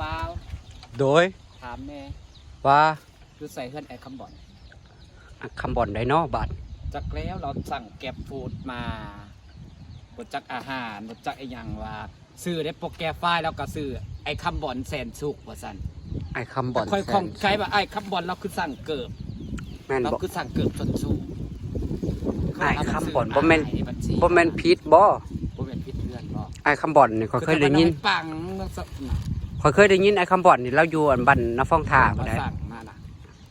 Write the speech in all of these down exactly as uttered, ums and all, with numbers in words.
ปล่าโดยถามแม่ว่าคือใส่เฮือนไอ้คำบ่อนคำบ่อนไดโนบัตรจากแล้วเราสั่งแก็บฟูดมาบดจักอาหารบดจักไอ้ยังว่าซื้อได้โปรแกรมไฟล์แล้วก็ซื้อไอ้คำบ่อนแสนสุกว่าสันไอ้คำบ่อนค่อยของใช้ว่าไอ้คำบ่อนเราคือสั่งเกิบเราคือสั่งเกิบจนสูงไอ้คำบ่อนบ่แม่นบ่แม่นพิษบ่บ่แม่นพิษเพื่อนบ่ไอ้คำบ่อนนี่เขาเคยได้ยินปังเขาเคยได้ยินไอ้คำบ่อนนี่เราอยู่อันบันน้ำฟองท่าบ่ได้สั่งมาน่ะ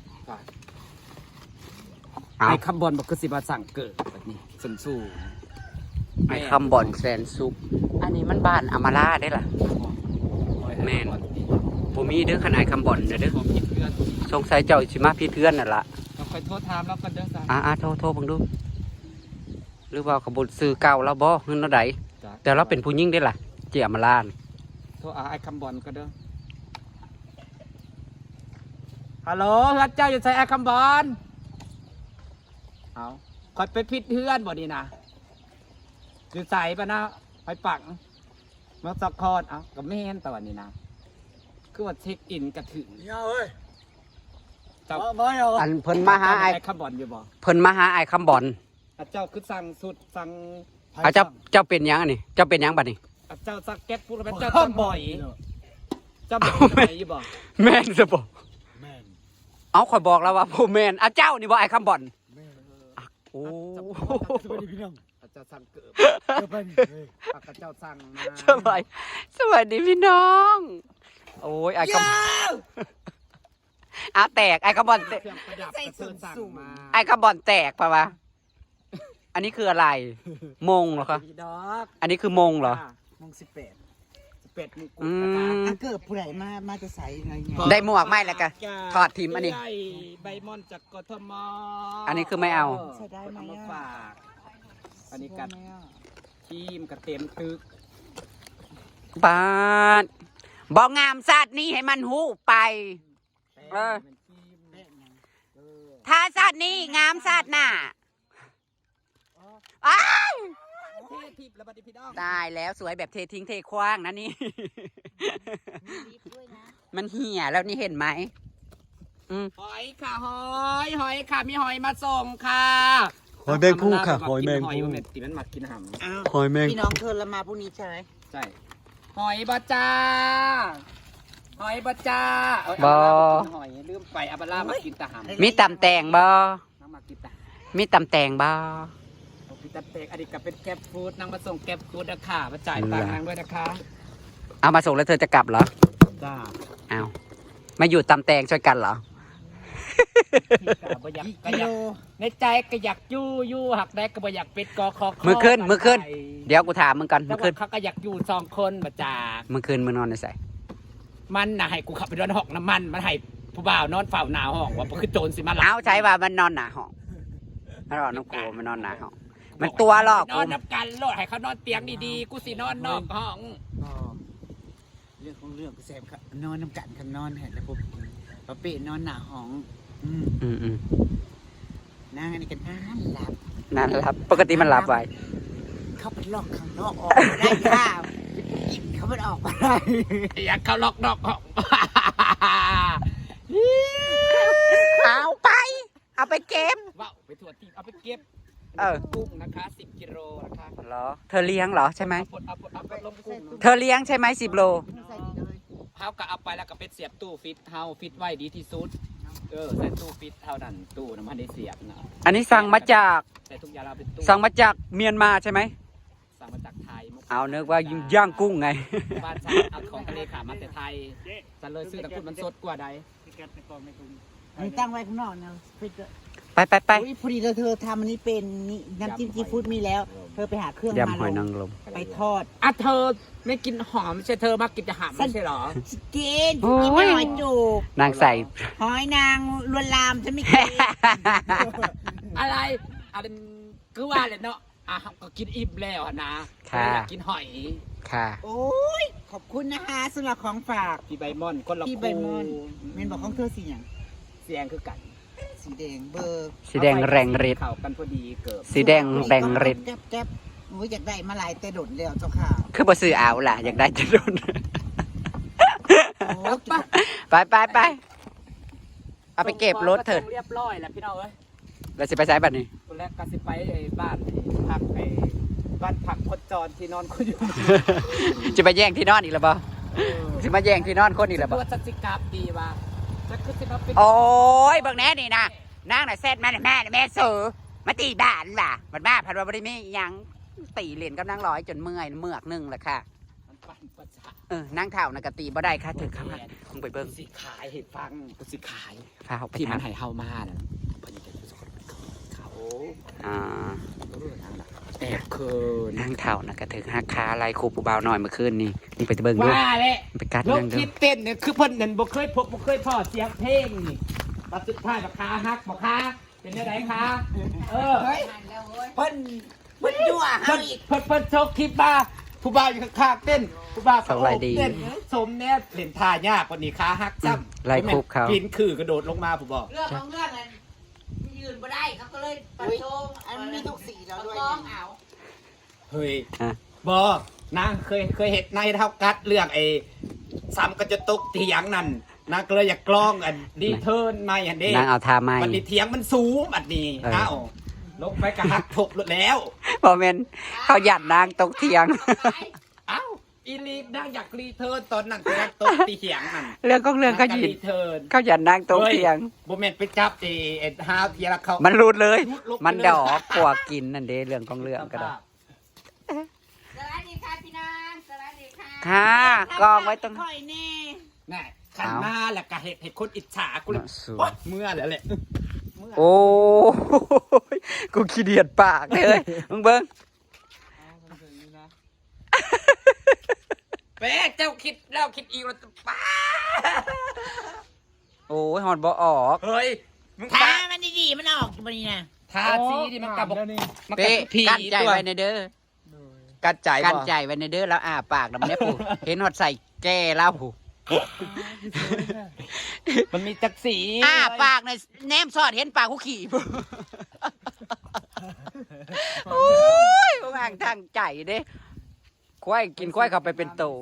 ไอ้คำบ่อนบ่คือสิมาสั่งเกิบแบบนี้สูงสูงไอ้คำบ่อนแสนสุกอันนี้มันบ้านอมาลาได้ล่ะแม่นผมมีเด้อขนาดคำบ่อนเด้อสงสัยเจ้าสิมาพี่เพื่อนน่ะล่ะเราคอยโทษถามแล้วกันเด้อจ้ะอ่าโทษโทษบังดูหรือว่าขบวนซื้อเก่าแล้วบ่เงินเท่าใดแต่เราเป็นผู้หญิงได้ล่ะเจียมาลานโทษไอ้คำบ่อนก็เด้อฮัลโหลรัดเจ้าอยู่ใส่ไอ้คำบ่อนเอาคอยไปพิษเพื่อนบ่ดีนะอยู่ใส่ปะนะไปปังมาสักคอนเอากับแม่นตะวันนี้นะคือว่าเช็คอินกระถึงเนี่ยเอ้ยเจ้าอันเพิ่นมาหาไอ้คำบ่อนอยู่บ่เพิ่นมาหาไอ้คำบ่อนเจ้าคือสั่งสุดสั่งอาเจ้าเจ้าเป็นยังนี่เจ้าเป็นยังบัดนี้เจ้าสักแก๊สพูดแล้วเจ้าสั่งบ่อยเจ้าเป็นบ่อยอยู่บ่แม่นซะบ่เอาข่อยบอกแล้วว่าผู้แม่นอ่ะเจ้านี่บ่ไอ้คำบ่อนโอ้สวัสดีพี่น้องเจ้าสั่งเกิบเจ้าเป็นปากเจ้าสั่งมาสบายสวัสดีพี่น้องโอ้ยไอ้คำอ่ะแตกไอ้คำบ่อนไอ้คำบ่อนแตกป่ะวะอันนี้คืออะไรมงเหรอคะอันนี้คือมงเหรอมงสิบแปดสิบแปดมงกุฎนะคะเกิดผู้ใดมามาจะใส่อะไรเงี้ยได้หมวกไหมแล้วกันถอดทิมอันนี้ใบมอนจากกทมอันนี้คือไม่เอาใส่ได้ไหมฝากอันนี้กัดทีมกับเต็มตึกบาดบอกงามสัตว์นี้ให้มันหูไปเออถ้าสัตว์นี้งามสัตว์น่ะอ้าวตายแล้วสวยแบบเททิ้งเทคว้างนะนี่มันเหี่ยแล้วนี่เห็นไหมหอยค่ะหอยหอยค่ะมีหอยมาส่งค่ะหอยแมงผู้ค่ะหอยแมงผู้ตีมันหมักกินหำหอยแมงพี่น้องเธอละมาพรุ่งนี้ใช่ไหมใช่หอยบะจ้าหอยบะจ้าบอหอยลืมไปอับลามากินตะหำมีตำแตงบอมีตำแตงบอมีตำแตงอดีตกับเป็นแก็บฟู้ดนางมาส่งแก็บฟู้ดนะค่ะมาจ่ายตังค์นางด้วยนะคะเอามาส่งแล้วเธอจะกลับเหรอจ้าเอามาอยู่ตำแตงช่วยกันเหรอในใจก็อยากยู่ยู่หักได้ก็บ่อยากเป็ดกอคอมือขึ้นมือขึ้นเดี๋ยวกูถามมึงกันมือขึ้นเขาก็อยากอยู่สองคนมาจ่ามือขึ้นมือนอนในใส่มันน่ะให้กูขับไปนอนห้องน้ำมันมันให้ผู้บ่าวนอนเฝ้าหน้าห้องว่าคือโจรสิมาหลับเอาใช้ว่ามันนอนหน้าห้องมันนอนน้องกูมันนอนหน้าห้องมันตัวหรอกนอนนับกันโลดให้เขานอนเตียงดีๆกูสินอนนอกห้องเรื่องของเรื่องกูแซมครับนอนน้ำกันกันนอนเห็นแล้วปุ๊บปะเป้นอนหน้าห้องอืมอืมนั่งอันนี้กันนั่นหลับนั่นหลับปกติมันหลับไว้เขาไปล็อกข้างนอกออกได้ค่ะเขาไปออกมาได้อยากเขาล็อกนอกห้องเอาไปเอาไปเก็บว้าวไปถั่วทีเอาไปเก็บเออกุ้งนะคะสิบกิโลนะคะเหรอเธอเลี้ยงเหรอใช่ไหมเธอเลี้ยงใช่ไหมสิบโลเขาก็เอาไปแล้วก็เป็นเสียบตู้ฟิตเฮาฟิตไว้ดีที่สุดเออใส่ตู้ฟิตเท่านั้นตู้น้ำมันได้เสียบนะอันนี้สั่งมาจากใส่ทุกอย่างเราเป็นตู้สั่งมาจากเมียนมาใช่ไหมสั่งมาจากไทยเอาเนื้อว่าย่างกุ้งไงบ้านฉันเอาของทะเลขามาแต่ไทยฉันเลยซื้อแต่คุณมันสดกว่าใดนี่ตั้งไว้ข้างนอกนะไปไปไปพอดีเธอทำอันนี้เป็นนี่น้ำจิ้มซีฟู้ดมีแล้วเธอไปหาเครื่องมาหอยนางรมไปทอดอ่ะเธอไม่กินหอมใช่เธอมากินจะหามไม่ใช่หรอกินกินหอยจูบนางใส่หอยนางลวนลามจะไม่กินอะไรอะไรคือว่าเลยเนาะอ่ะก็กินอิ่มแล้วนะค่ะกินหอยค่ะโอ้ยขอบคุณนะคะสำหรับของฝากพี่ใบมอนคนละพี่ใบมอนเมนบอกของเธอสีอย่างสีแดงคือกันสีแดงเบอร์สีแดงแรงฤทธิ์เข้ากันพอดีเกิดสีแดงแรงฤทธิ์แก๊บแก๊บโอ้ยอยากได้มาหลายแต่โดดแล้วเจ้าค่ะคือบ่ซื้อเอาล่ะอยากได้จะโดนโอ้ไปไปไปเอาไปเก็บรถเถิดเรียบร้อยแล้วพี่น้องเอ้ยเราจะไปใช้บัตรนี้คนแรกก็สิไปไอ้บ้านไอ้พักไอ้บ้านพักคนจรที่นอนคนอยู่จะไปแย่งที่นอนอีกแล้วบ่จะมาแย่งที่นอนคนอีกแล้วบ่ตัวจักรกาปีว่าจะคือสิมาเป็นโอ้ยเบิ่งแน่นี่นะนางน่ะเซตแม่แม่แม่สูมาตีบ้านว่ะมันมาพันว่าบ่ได้มีหยังตีเหรียญกับนางร้อยจนเมื่อยเมือกนึงแหละค่ะมันปั่นประสาทเออนางเท่าน่ะกตีบ่ได้ค่ะถึงครับคงไปเบิ่งสิขายให้ฟังกูสิขายฟ้าเอาไปที่มันทำให้เฮามาน่ะเพิ่นจะเป็นคนเขาอ่าแอบเคินนางเท่าน่ะก็ถึงหักขาไหลครูผู้บ่าวหน่อยเมื่อคืนนี่นี่ไปเบิ่งดูว่าแหละไปกัดลนาง งดูคิดเต้นเนี่ยคือเพิ่นนั่นบ่เคยพบบ่เคยพอเสียงเพลงนี่ตัดสุดท้ายบักคาฮักบักคาเป็นจังไดคะเออเฮ้ยเพิ่นเพิ่นยั่วเพิ่เฮาน อีกเพิ่นเพิ่นโชคคลิปมาผู้บ่าวอยู่ข้างๆเต้นผู้บ่าวก็โอบเต้นสมแน่เล่นท่ายากกว่านี้ขาฮักซ้ำไล่คุบเขาปีนคือกระโดดลงมาผู้บอกเรื่องของเรื่องนั้นยืนบ่ได้เขาก็เลยปัดโชงอันมีทุกสีแล้วด้วยกล้องเอาเฮ้ยอ่ะบอกนางเคยเคยเห็นในเท่ากัดเรื่องไอ้ซ้ำก็จะตกเถียงนั่นนางก็เลยอยากกล้องอันดีเทิร์นไม่อันนี้นางเอาทาไม้มันดีเถียงมันสูงอันนี้เออเอ้าลงไปกระหักทบรถแล้วบ่แม่นเขาหยัดนางตกเถียงเอ้าอีลีนางอยากรีเทิร์นตอนนั้นก็ยังตกเถียงนั่นเรื่องของเรื่องเขาหยิรีดเทิร์นเขาหยัดนางตกเถียงโบเมนไปจับเอเอ็ดฮาวเทียละเขามันรูดเลยรูดลงไปมันเลยดอกปวกกินนั่นเด้เรื่องของเรื่องก็ได้สวัสดีค่ะพี่นางสวัสดีค่ะค่ะกองไว้ตรงค่อยแน่น่ะขันมาแล้วก็เห็ดเห็ดคนอิจฉากูเลยน่ะสวยโอ๊ยเมื่อแล้วแหละโอ้ยกูขี้เดียดปากเลยมึงเบิ้งแป๊ะเจ้าคิดแล้วคิดอีกแล้วป้าโอ้ยหอนบ่ออกเฮ้ยมึงถ้าป้ามันดีๆมันออกอยู่บนนี้นะทาสีดิมันกระบอกมันกระเป๊ะผีกั้นใจตัวไว้ในเด้อกัดใจกั้นบ่ใจไว้ในเด้อแล้วอ่าปากดำเนี้ยผู้เห็นหอดใส่แก้แล้วผู้มันมีจักสีอ่าปากในแนมสอดเห็นปากกูขี่ผู้โอ้ยกูแม่งทางใจเด้ควายกินควายเข้าไปเป็นโต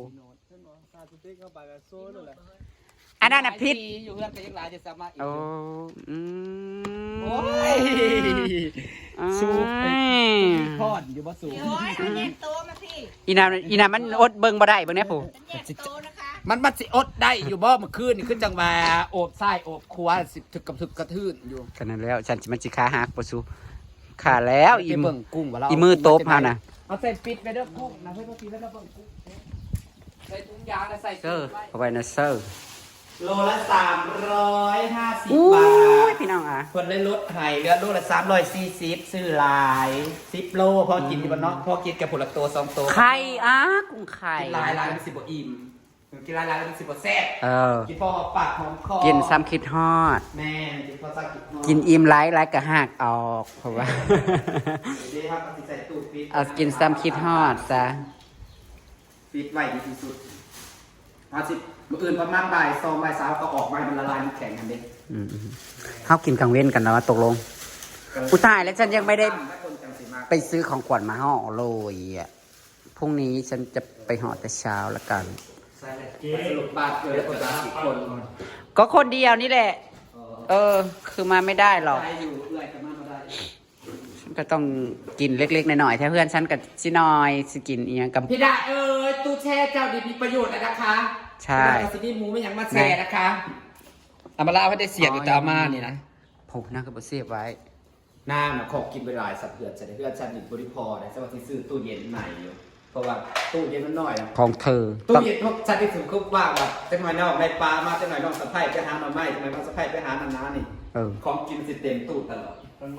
อันนั้นน่ะพิษอยู่เพื่อนแต่ยังหลายจะสามารถโอ้อืมโอ้ย สูบไป พอดอยู่บ่สูงโอ้ยเอาเน็ตโตมาพี่อีนาอีนามันอดเบิ่งบ่ได้เบิ่งแน่ผู้เน็ตโตนะคะมันมันสิอดได้อยู่บ่เมื่อคืนนี่ขึ้นจังมาโอบไส้โอบครัวสิถึกกับถึกกระทืนอยู่กันนั้นแล้วฉันสิมันสิขาหักบ่สู้ขาแล้วอีไปมืเบิ่องกุ้งว่าเราอีมือโต๊ะพาน่ะเอาใส่ปิดไปเด้อกุ้งนะเพื่อนพี่แล้วเราเบิ่งกุ้งใส่ถุงยางแล้วใส่เซอร์เอาไว้นะเซอร์โลละสามร้อยห้าสิบอู้บาย ทพี่น้องอ่ะเพิ่นเลยลดให้เหลือโลละสามร้อยสี่สิบซื้อหลายสิบโลพอกินอยู่บ่เนาะพอกินกับผลละตัวสองตัวไข่อ่ะกุ้งไข่กินหลายหลายมันสิบ่อิ่มกินหลายหลายมันสิบ่แซ่บเออกินพอหอมปากหอมคอกินซ้ำคิดฮอดแม่กินพอสักกินฮอดกินอิ่มหลายหลายก็หักออกเพราะว่าเดี๋ยวครับสิใส่ตู้ปิดเอากินซ้ำคิดฮอดซะปิดไว้ดีที่สุดเอาสิมื้ออื่นประมาณบ่ายสองบ่ายสามก็ออกมามันละลายมันแข็งกันเด้อืมๆเขากินกลางเว้นกันแล้วว่าตกลงอุยตายแล้วฉันยังไม่ได้ไปซื้อของขวัญมาห่อเลยอ่ะพรุ่งนี้ฉันจะไปห่อแต่เช้าละกันสรุปบาทเกิดแล้วคนละสิบคนก็คนเดียวนี่แหละ เออ คือมาไม่ได้หรอกได้อยู่เอื้อยกันมากก็ได้ฉันก็ต้องกินเล็กๆหน่อยๆถ้าเพื่อนฉันกับชินอยสิกินอีกกับพี่ดาเอ้ยตู้แช่เจ้าดีมีประโยชน์นะคะใช่พี่ดาซินี่หมูไม่ยังมาแช่นะคะอามาลาให้ได้เสียบอยู่ตามานี่นะผมนั่งกับเสียบไว้น้าน่ะขอบกินไปหลายสับเพื่อนจะได้เพื่อนฉันอีกบริพอได้สวัสดีซื้อตู้เย็นใหม่อยู่เพราะว่าตู้เย็นมันน้อยนะของเธอตู้ต้องเย็นพวกฉันที่ถึงคุกว่าแบบจะหน่อยนอกในปลามาจะหน่อยนอกสะไพร่ไปหาหน่อไม้จะหน่อยนอกสะไพร่ไปหาน้ำน้านี่เออของกินสิเต็มตู้ตลอด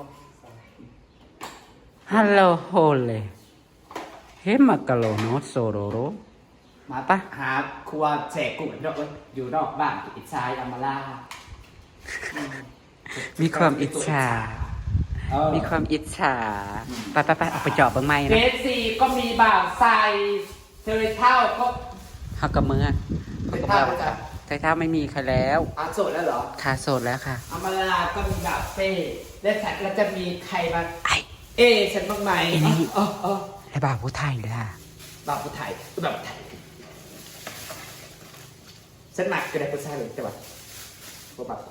ฮัลโหลโฮเลเฮมักกะโลโนโซโรโรมาปะหาครัวแฉกกุ้งเนาะอยู่นอกบ้านอิจฉาอามาลามีความอิจฉาเออมีความอิจฉา ไปไปไปออกไปเจอบเบิ้งไม้เจนะสี่ก็มีบ่าวใส่เทอร์เท่าก็ฮักกับมือเทอร์เท่าจะไทยเท้าไม่มีใครแล้วอาโสดแล้วเหรอคาโสดแล้วค่ะอามาลาก็มีบ่าวเฟ่และแท็กแล้วจะมีใครมาไอ้เอฉันบ้างไหมไอ้นี่เออเออไอ้บ่าวผู้ไทยล่ะบ่าวผู้ไทยแบบไทยฉันหมักก็ได้ผู้ชายเลยแต่ว่าบ่บักคน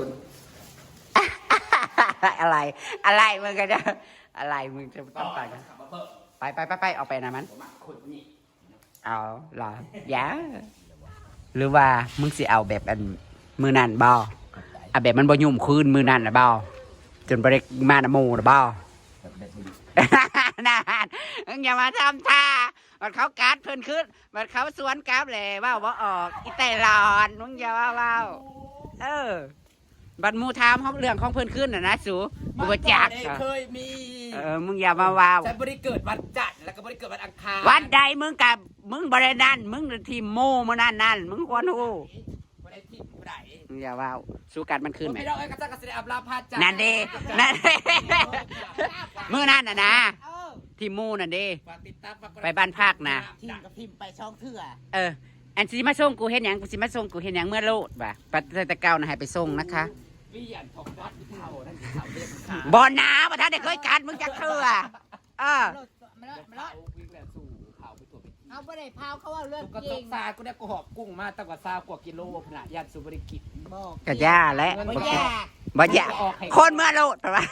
อะไร อะไรมึงก็จะอะไรมึงจะต้องไปกันขับมาเพิ่มไปไปไปไปออกไปนะมันบ่มักคนนี้เอาเหรออย่าหรือว่ามึงสิเอาแบบอันมือนั่นบ่เอาแบบมันบ่ยุ่มคืนมือนั่นนะบ่จนบ่ได้มานะหมู่นะบ่แบบแบบนี้นั่นมึงอย่ามาทำท่ามันเขากัดเพิ่นขึ้นมันเขาสวนกลับเลยเว่าบ่ออกอีแต่หลอนมึงอย่าว่าเว้าเออบัดหมู่ถามเฮาเรื่องของเพิ่นขึ้นน่ะนะสูกูบ่จักมันเคยมีเออมึงอย่ามาว้าวฉันบ่ได้เกิดวันจันทร์แล้วก็บ่ได้เกิดวันอังคารวันใดมึงกับมึงบรินั่นมึงทีมโม่มานั่นนั่นมึงควรหูบ่ได้ที่ผู้ใดมึงอย่าว่าสู้กันมันขึ้นไหมพี่น้องเอ้ยกระซักกระเสด็จอับลาพาจันทร์นั่นเด้นั่นมือนั่นน่ะนะเออทีมโม่นั่นเด้ฝากติดตามฝากกดไปบ้านภาคนะทีมกับพิมพ์ไปช่องเถื่อเอออันสิมาส่งกูเห็นหยังกูสิมาส่งกูเห็นหยังเมื่อโลดว่ะปัตตะเก้านะให้ไปส่งนะคะวิญญาณของวัดเท่านั่นสิเขาเรียกขาบอนาประธานได้เคยกัดมึงจะเถื่อเออรถมันรถมันรเขาถวิ่งแล้วสู่เขาไปตัวไปที่เอาบ่ได้พาวเขาว่าเรื่องก็จตริกงซากูได้กูหอบกุ้งมาตั้งกว่าซากว่ากิโลพนะญาติสุบริกิจบอกกะย่าและบ่ยากบ่ย่าคนเมื่อโลดป่ะ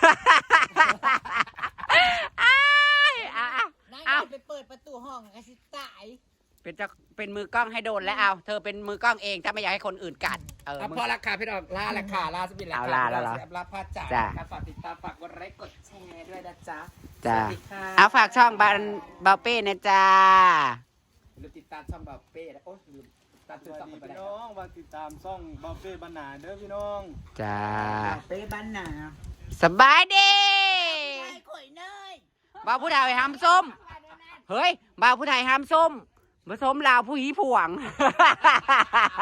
อ้ายอ่ะอ่ะนายเอาไปเปิดประตูห้องก็สิตายเป็นเจ้าเป็นมือกล้องให้โดนแล้วเอาเธอเป็นมือกล้องเองถ้าไม่อยากให้คนอื่นกัดเอออ่ะมึงพอราคาพี่น้องลาราคาลาสบินราเอาคาลาแล้วเหรอลาพาจ่าจ้ะครับฝากติดตามฝากกดไลค์กดแชร์ด้วยนะจ๊ะจ้าสวัสดีค่ะเอาฝากช่องบานบาเป้นะจ้าลืมติดตามช่องแบบเป้นะโอ้ยลืมตามสชื่อวัสช่องดีมันไปพี่ได้น้องมาติดตามซ่องบาเฟ่บรรณาเด้อพี่น้องจ้าเป้บ้านหนาสบายดีนายข่อยเนยบ่าวผู้ไทยห้ามส้ม เฮ้ยบ่าวผู้ไทยห้ามส้มผสมลาวผู้หีผวง